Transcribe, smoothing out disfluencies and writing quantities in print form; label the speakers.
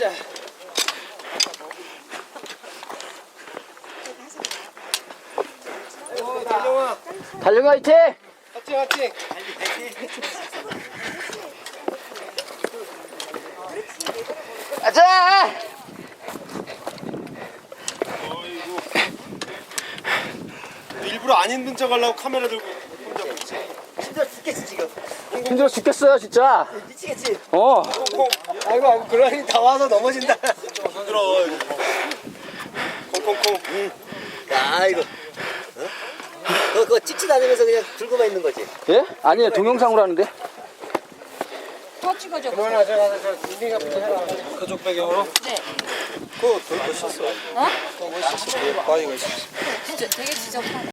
Speaker 1: 자. 달려와.
Speaker 2: 달려가 화이팅!
Speaker 1: 화이팅 화이팅.
Speaker 2: 가자!
Speaker 1: 일부러 안 힘든 척 하려고 카메라 들고 혼자 먹지.
Speaker 3: 힘들어 죽겠지 지금.
Speaker 2: 힘들어 죽겠어요 진짜.
Speaker 3: 미치겠지.
Speaker 1: 아이고 그러니 다 와서 넘어진다. 힘들어. 콩콩콩.
Speaker 3: 야 이거. 그거 찍지도 않으면서 그냥 들고만 있는 거지.
Speaker 2: 예? 아니에요 동영상으로 하는데.
Speaker 4: 더 찍어줘.
Speaker 1: 그만하 제가 민딩이부터 해라. 그쪽 배경으로?
Speaker 4: 네.
Speaker 1: 그거 더 멋있어.
Speaker 4: 어?
Speaker 1: 더 멋있어. 바위가 있어.
Speaker 4: 진짜 되게 지저분하다.